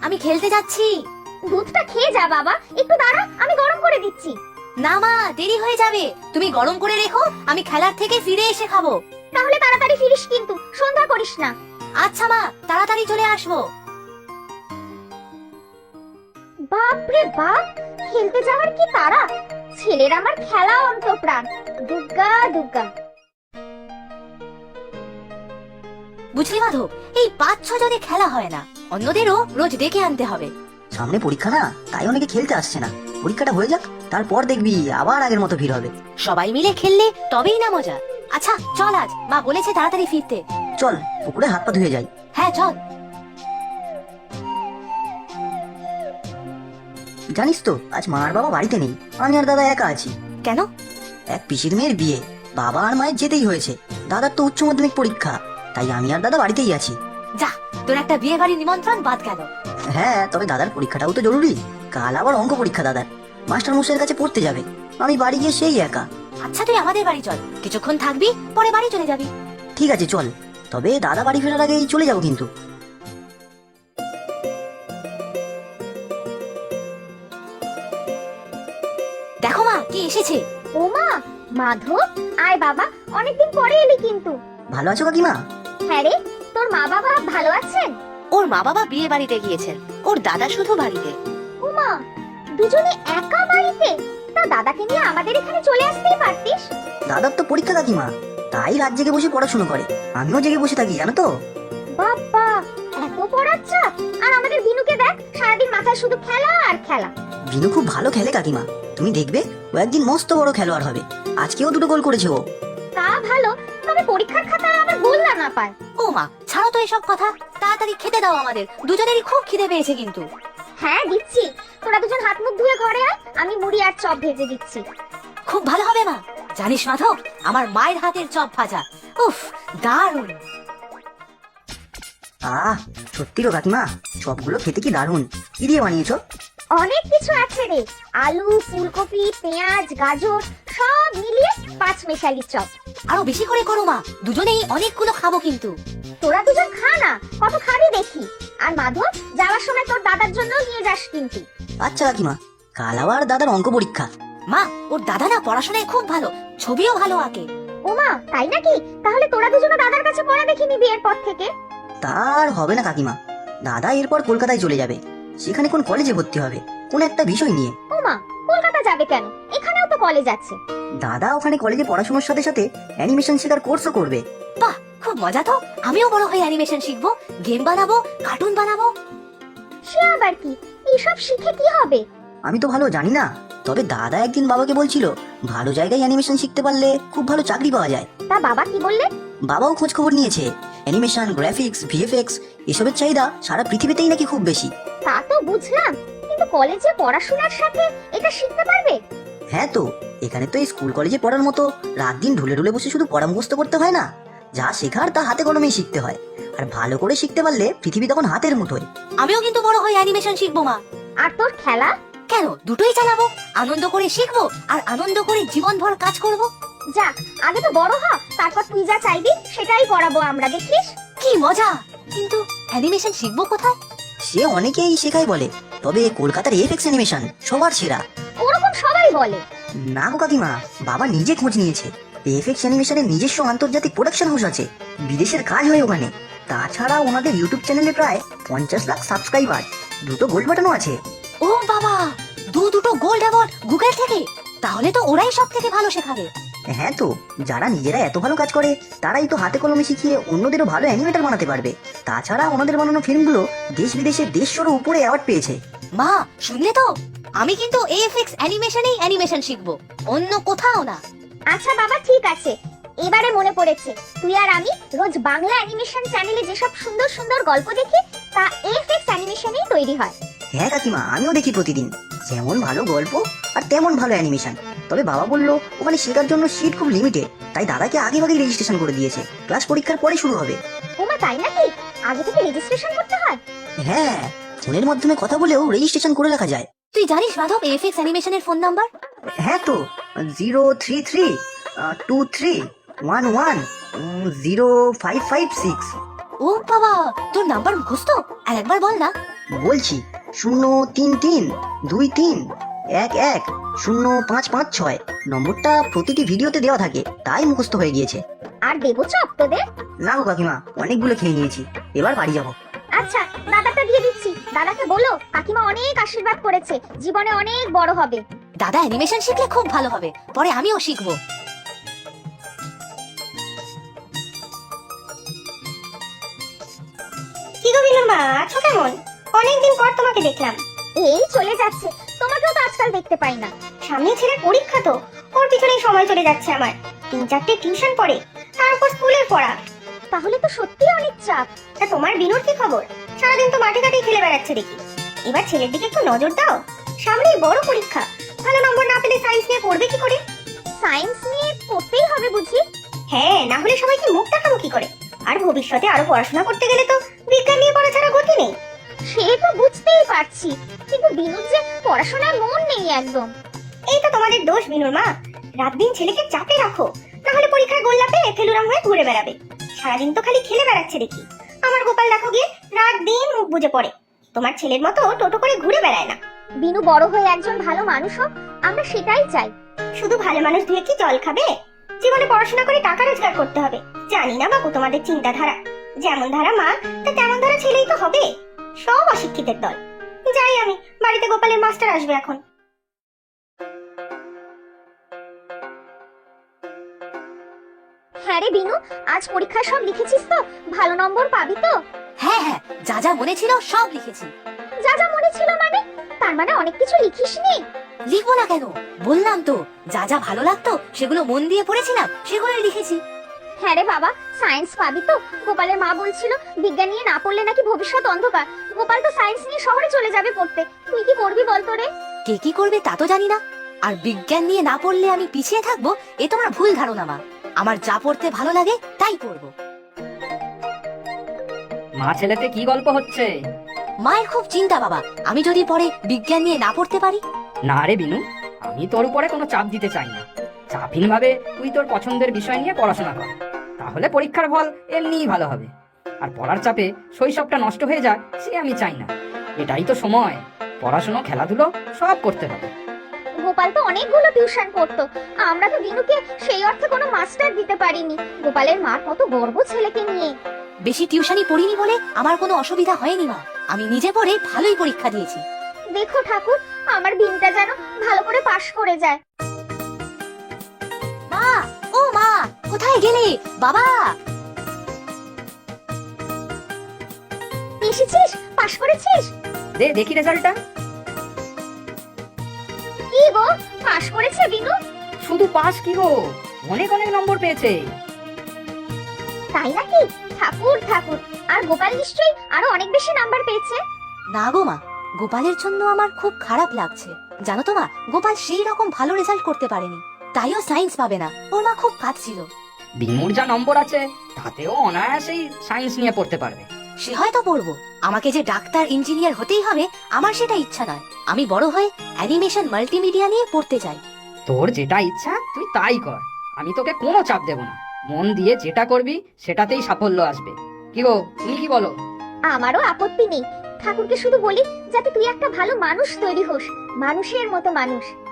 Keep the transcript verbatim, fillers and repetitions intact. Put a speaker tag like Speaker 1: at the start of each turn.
Speaker 1: আমি খেলতে যাচ্ছি।
Speaker 2: দুধটা খেয়ে যা বাবা, একটু দাঁড়া, আমি গরম করে দিচ্ছি।
Speaker 1: না মা, দেরি হয়ে যাবে, তুমি গরম করে রেখো, আমি খেলার থেকে ফিরে এসে খাবো।
Speaker 2: তাহলে তাড়াতাড়ি ফিরিস কিন্তু, সন্ধ্যা করিস না।
Speaker 1: আচ্ছা মা, তাড়াতাড়ি চলে আসবো।
Speaker 2: বাপরে বাপ, খেলতে যাওয়ার কি তাড়া! ছেলের আমার খেলা অন্তঃপ্রাণ। দুর্গা দুর্গা।
Speaker 1: বুঝলি মাধব, এই পাঁচ ছ জনে খেলা হয় না, অন্যদেরও রোজ ডেকে আনতে হবে।
Speaker 3: সামনে পরীক্ষা না, তাই অনেকে খেলতে আসছে না। পরীক্ষাটা হয়ে যাক, তারপর দেখবি আবার আগের মতো ভিড় হবে।
Speaker 1: সবাই মিলে খেললে তবেই না মজা। আচ্ছা চল, আজ মা বলেছে তাড়াতাড়ি ফিরতে।
Speaker 3: চল পুকুরে হাত পা ধুয়ে যাই।
Speaker 1: হ্যাঁ চল।
Speaker 3: জানিস তো আজ মা আর বাবা বাড়িতে নেই, আমি আর দাদা একা আছি।
Speaker 1: কেন?
Speaker 3: এক পিসির মেয়ের বিয়ে, বাবা আর মায়ের যেতেই হয়েছে। দাদার তো উচ্চ মাধ্যমিক পরীক্ষা, তাই আমি আর দাদা বাড়িতেই আছি।
Speaker 1: যা, তোর একটা বিয়ে বাড়ির নিমন্ত্রণ বাদ গেল।
Speaker 3: হ্যাঁ, তবে দাদার পরীক্ষাটাও তো জরুরি। কাল আবার অঙ্ক পরীক্ষা দাদার, মাস্টার মশাইয়ের কাছে পড়তে যাবে। আমি বাড়ি গিয়ে সেই একা।
Speaker 1: আচ্ছা তুই আমাদের বাড়ি চল, কিছুক্ষণ থাকবি, পরে বাড়ি চলে যাবি।
Speaker 3: ঠিক আছে চল, তবে দাদা বাড়ি ফেরার আগেই চলে যাবো কিন্তু।
Speaker 1: দেখো মা, কি এসেছে।
Speaker 2: ও মা, মাধব, আয় বাবা, অনেকদিন পরে এলি কিন্তু।
Speaker 3: ভালো আছো কাকিমা?
Speaker 2: হ্যাঁ রে, তোর মা বাবা ভালো আছেন?
Speaker 1: ওর মা বাবা বিয়ে বাড়িতে গিয়েছেন, ওর দাদা শুধু বাড়িতে।
Speaker 2: ও মা, দুজনে একা বাড়িতে? তা দাদাকে নিয়ে আমাদের এখানে চলে আসতেই পারতিস।
Speaker 3: দাদার তো পরীক্ষা কাকিমা, তাই রাত জেগে বসে পড়াশোনা করে। আমিও জেগে বসে থাকি জানো তো।
Speaker 2: বাবা, এত পড়ার চাপ! আর আমাদের বিনুকে দেখ, সারাদিন মাথায় শুধু খেলা আর খেলা।
Speaker 3: বিনু খুব ভালো খেলে কাকিমা, তুমি দেখবে ও একদিন মস্ত বড় খেলোয়াড় হবে। আজকেও দুটো গোল করেছে ও।
Speaker 2: তা ভালো, তবে পরীক্ষার খাতায় আবার গোল না পায়।
Speaker 1: ও মা, ছাড়ো তো এসব কথা, তাড়াতাড়ি খেতে দাও, আমাদের দুজনেরই খুব খিদে পেয়েছে কিন্তু।
Speaker 2: হ্যাঁ দিচ্ছি, তোরা দুজন হাত মুখ ধুয়ে ঘরে আয়, আমি মুড়ি আর চপ ভেজে দিচ্ছি।
Speaker 1: খুব ভালো হবে মা। জানিস মাধব, আমার মায়ের হাতের চপ ভাজা, উফ, দারুণ।
Speaker 3: আহ, সত্যি গো কাকিমা, সবগুলো খেতে কি দারুণ। কি দিয়ে বানিয়েছো?
Speaker 2: অনেক কিছু আছে রে, আলু, ফুলকপি, পেঁয়াজ, গাজর সব মিলিয়ে পাঁচ মেশালি চপ।
Speaker 1: আরো বেশি করে করো মা, দুজনেই অনেকগুলো খাবো কিন্তু।
Speaker 2: তোরা দুজন খা না, কত খাবি দেখি। আর মাধব, যাওয়ার সময় তোর দাদার জন্য নিয়ে যাস কিন্তু।
Speaker 3: আচ্ছা কাকিমা, কাল আবার দাদার অঙ্ক পরীক্ষা।
Speaker 1: মা, ওর দাদা না পড়াশোনায় খুব ভালো, ছবিও ভালো আঁকে।
Speaker 2: ও মা, তাই নাকি? তাহলে তোরা দুজন দাদার কাছে পড়া দেখে নিবি এরপর থেকে।
Speaker 3: তার হবে না কাকিমা, দাদা এরপর কলকাতায় চলে যাবে। সেখানে কোন কলেজে ভর্তি হবে, কোন একটা বিষয় নিয়ে।
Speaker 2: ও মা, কলকাতা যাবে কেন? এখানেও তো কলেজ আছে।
Speaker 3: দাদা ওখানে কলেজে পড়াশোনার সাথে সাথে অ্যানিমেশন শেখার কোর্সও করবে।
Speaker 1: বাহ, খুব মজা তো। আমিও বড় হয়ে অ্যানিমেশন শিখবো, গেম বানাবো, কার্টুন বানাবো।
Speaker 2: সে আবার কি? এইসব শিখে কি হবে?
Speaker 3: আমি তো ভালো জানি না, তবে দাদা একদিন বাবাকে বলছিল ভালো জায়গায় অ্যানিমেশন শিখতে পারলে খুব ভালো চাকরি পাওয়া যায়।
Speaker 2: তা বাবা কি বললে?
Speaker 3: বাবাও খোঁজ খবর নিয়েছে, অ্যানিমেশন, গ্রাফিক্স, ভিএফএক্স এসবের চাহিদা সারা পৃথিবীতেই নাকি খুব বেশি।
Speaker 2: তা তো বুঝলাম, কিন্তু কলেজে পড়াশোনার সাথে এটা শিখতে পারবে?
Speaker 3: হ্যাঁ তো, এখানে তো এই স্কুল কলেজে পড়ার মতো রাত দিন ঢুলে ঢুলে বসে শুধু পড়া মুখস্থ করতে হয় না। যা শেখার তা হাতে কলমেই শিখতে হয়, আর ভালো করে শিখতে পারলে পৃথিবী তখন হাতের মুঠোয়।
Speaker 1: আমিও কিন্তু বড় হয়ে অ্যানিমেশন শিখবো মা।
Speaker 2: আর তোর খেলা?
Speaker 1: কেন, দুটোই চালাবো, আনন্দ করে শিখবো আর আনন্দ করে জীবনভর কাজ করব।
Speaker 2: যাক, আগে তো বড় হ, তারপর তুই যা চাইবি সেটাই করাবো আমরা, দেখিস।
Speaker 1: কি মজা! কিন্তু অ্যানিমেশন শিখবো কোথায়?
Speaker 3: সে অনেকেই শেখায় বলে, তবে কলকাতার এফএক্স অ্যানিমেশন সবার সেরা।
Speaker 2: ওরকম সবাই বলে।
Speaker 3: না গো কাকিমা, বাবা নিজে খোঁজ নিয়েছে। এফএক্স অ্যানিমেশনের নিজস্ব আন্তর্জাতিক প্রোডাকশন হাউস আছে, বিদেশের কাজ হয় ওখানে। তাছাড়া ওনাদের ইউটিউব চ্যানেলে প্রায় পঞ্চাশ লাখ সাবস্ক্রাইবার, দুটো গোল্ড বাটনও আছে।
Speaker 1: ও বাবা, দু দুটো গোল্ড অ্যাওয়ার্ড গুগল থেকে! তাহলে তো ওরাই সব থেকে ভালো শেখাবে।
Speaker 3: হ্যাঁ তো, যারা নিজেরা এত ভালো কাজ করে তারাই তো হাতে কলমে শিখিয়ে অন্যদেরও ভালো অ্যানিমেটর বানাতে পারবে। তাছাড়া ওনাদের বানানো ফিল্মগুলো দেশ বিদেশে দেড়শোরও উপরে অ্যাওয়ার্ড পেয়েছে।
Speaker 1: মা, শুনলে তো? আমি কিন্তু এএফএক্স অ্যানিমেশনেই অ্যানিমেশন শিখবো, অন্য কোথাও না।
Speaker 2: আচ্ছা বাবা, ঠিক আছে, এবারে মনে পড়েছে, তুই আর আমি রোজ বাংলা অ্যানিমেশন চ্যানেলে যেসব সুন্দর সুন্দর গল্প দেখি তা এফএক্স অ্যানিমেশনেই তৈরি হয়।
Speaker 3: হ্যাঁ কাকিমা, আমিও দেখি প্রতিদিন, যেমন ভালো গল্প আর তেমন ভালো অ্যানিমেশন। তবে বাবা বললো ওখানে শেখার জন্য সিট খুব লিমিটেড, তাই দাদাকে আগে ভাগে রেজিস্ট্রেশন করে দিয়েছে, ক্লাস পরীক্ষার পরে শুরু হবে।
Speaker 2: ওমা, তাই নাকি? আগে থেকে রেজিস্ট্রেশন করতে হয়?
Speaker 3: হ্যাঁ, ফোনের মাধ্যমে কথা বলেও রেজিস্ট্রেশন করে রাখা যায়।
Speaker 1: তুই জানিস মাধব এএফএক্স অ্যানিমেশনের ফোন নাম্বার?
Speaker 3: হ্যাঁ তো, zero three three two three one one zero five five six.
Speaker 1: ও বাবা, তোর নাম্বার মুখস্থ? আর একবার বল না।
Speaker 3: বলছি শূন্য তিন তিন দুই তিন এক এক শূন্য পাঁচ পাঁচ ছয় নম্বরটা প্রতিটি ভিডিওতে দেওয়া থাকে, তাই মুখস্থ হয়ে গিয়েছে।
Speaker 2: আর দেবো চপ তোদের?
Speaker 3: না গো কাকিমা, অনেকগুলো খেয়ে নিয়েছি, এবার বাড়ি যাবো।
Speaker 2: আচ্ছা, দাদাটা দিয়ে দিচ্ছি। দাদাকে বলো কাকিমা অনেক আশীর্বাদ করেছে, জীবনে অনেক বড় হবে।
Speaker 1: দাদা অ্যানিমেশন শিখলে খুব ভালো হবে, পরে আমিও শিখবো।
Speaker 2: কি গো বিনুর মা, আছো কেমন? অনেকদিন পর তোমাকে দেখলাম। এই চলে যাচ্ছে, তোমাকেও তো আজকাল দেখতে পাই না। সামনে ছেলের পরীক্ষা, তো ওর পিছনেই সময় চলে যাচ্ছে আমার। তিন চারটে টিউশন পড়ে, তারপর স্কুলের পড়া। তাহলে তো সত্যি অনেক চাপ। তা তোমার বিনুর কি খবর? সারাদিন তো মাঠে ঘাটেই খেলে বেড়াচ্ছে দেখি। এবার ছেলের দিকে একটু নজর দাও, সামনেই বড় পরীক্ষা। ভালো নম্বর না পেলে সায়েন্স নিয়ে পড়বে কি করে? সায়েন্স নিয়ে পড়তেই হবে বুঝি? হ্যাঁ, না হলে সবাইকে মুখ দেখাবো কি করে? আর ভবিষ্যতে আরো পড়াশোনা করতে গেলে তো বিজ্ঞান নিয়ে পড়া ছাড়া গতি নেই। সে তো বুঝতেই পারছি, কিন্তু বিনুর যে পড়াশোনায় মন নেই একদম। এই তো তোমাদের দোষ বিনুর মা, রাত দিন ছেলেকে চাপে রাখো, না হলে পরীক্ষায় গোল্লা পেয়ে ফেলুরাম হয়ে ঘুরে বেড়াবে। সারাদিন তো খালি খেলে বেড়াচ্ছে দেখি। আমার গোপাল দেখো গিয়ে রাত দিন মুখ বুজে পড়ে, তোমার ছেলের মতো টোটো করে ঘুরে বেড়ায় না। বিনু বড় হয়ে একজন ভালো মানুষ হোক, আমরা সেটাই চাই। শুধু ভালো মানুষ দিয়ে কি জল খাবে? জীবনে পড়াশোনা করে টাকা রোজগার করতে হবে। জানি না বাবু তোমাদের চিন্তাধারা, যেমন ধারা মা তা তেমন ধারা ছেলেই তো হবে। সব অশিক্ষিতের দল। যাই আমি, বাড়িতে গোপালের মাস্টার আসবে এখন। হ্যাঁ রে বিনু, আজ পরীক্ষায় সব লিখেছিস তো? ভালো নম্বর পাবি তো?
Speaker 1: হ্যাঁ হ্যাঁ, যা যা মনে ছিল সব লিখেছি।
Speaker 2: যা যা মনে ছিল মানে? তার মানে অনেক কিছু লিখিসনি?
Speaker 1: লিখবো না কেন, বললাম তো যা যা ভালো লাগতো সেগুলো মন দিয়ে পড়েছিলাম, সেগুলোই লিখেছি।
Speaker 2: হ্যাঁ রে বাবা, সায়েন্স পাবি তো? গোপালের মা বলছিল বিজ্ঞান নিয়ে না পড়লে নাকি ভবিষ্যৎ অন্ধকার। গোপাল তো সায়েন্স নিয়ে শহরে চলে যাবে পড়তে, তুই কি করবি বল তো রে?
Speaker 1: কে কি করবে তা তো জানি না, আর বিজ্ঞান নিয়ে না পড়লে আমি পিছিয়ে থাকবো এ তোমার ভুল ধারণা মা। আমার যা পড়তে ভালো লাগে তাই পড়বো।
Speaker 4: মা ছেলেতে কি গল্প হচ্ছে?
Speaker 1: মায়ের খুব চিন্তা বাবা, আমি যদি পরে বিজ্ঞান নিয়ে না পড়তে পারি।
Speaker 4: না রে বিনু, আমি তোর উপরে কোনো চাপ দিতে চাই না। চাপহীন ভাবে তুই তোর পছন্দের বিষয় নিয়ে পড়াশোনা কর, তাহলে পরীক্ষার ফল এমনিই ভালো হবে। আর পড়ার চাপে শৈশবটা নষ্ট হয়ে যাক সে আমি চাই না। এটাই তো সময়, পড়াশোনা খেলাধুলো সব করতে হবে।
Speaker 2: গোপাল তো অনেকগুলো টিউশন পড়তো, আমরা তো বিনুকে সেই অর্থে কোনো মাস্টার দিতে পারিনি। গোপালের মার কত গর্ব ছেলেকে নিয়ে।
Speaker 1: বেশি টিউশনি পড়িনি বলে আমার কোনো অসুবিধা হয়নি মা, আমি নিজে পড়ে ভালোই পরীক্ষা দিয়েছি।
Speaker 2: দেখো ঠাকুর, আমার বিনটা যেন ভালো করে পাশ করে যায়।
Speaker 1: মা, ও মা, কোথায় গেলে? বাবা
Speaker 2: এসেছিস? পাশ করেছিস?
Speaker 4: দে দেখি রেজাল্টটা।
Speaker 2: কি গো, পাশ করেছে বিনু?
Speaker 4: শুধু পাস কি গো, অনেক অনেক নম্বর পেয়েছে।
Speaker 2: তাই নাকি? ঠাকুর ঠাকুর, আর গোপাল নিশ্চয়ই আরো অনেক বেশি নাম্বার পেয়েছে।
Speaker 1: না গো মা, গোপালের জন্য আমার খুব খারাপ লাগছে। জানো তো মা, গোপাল সেই রকম ভালো রেজাল্ট করতে পারেনি, তাইও সায়েন্স পাবে না। ওর মা খুব কাঁদছিল।
Speaker 4: বিনুর যা নম্বর আছে তাতেও অনায়াসেই সায়েন্স নিয়ে পড়তে পারবে।
Speaker 1: সে হয়তো পড়বো, আমাকে যে ডাক্তার ইঞ্জিনিয়ার হতেই হবে আমার সেটা ইচ্ছা নয়। আমি বড় হয়ে অ্যানিমেশন মাল্টিমিডিয়া নিয়ে পড়তে চাই।
Speaker 4: তোর যেটা ইচ্ছা তুই তাই কর, আমি তোকে কোনো চাপ দেব না। মন দিয়ে যেটা করবি সেটাতেই সাফল্য আসবে। কি গো, তুমি কি বলো?
Speaker 2: আমারও আপত্তি নেই, ঠাকুরকে শুধু বলি যাতে তুই একটা ভালো মানুষ তৈরি হোস, মানুষের মতো মানুষ।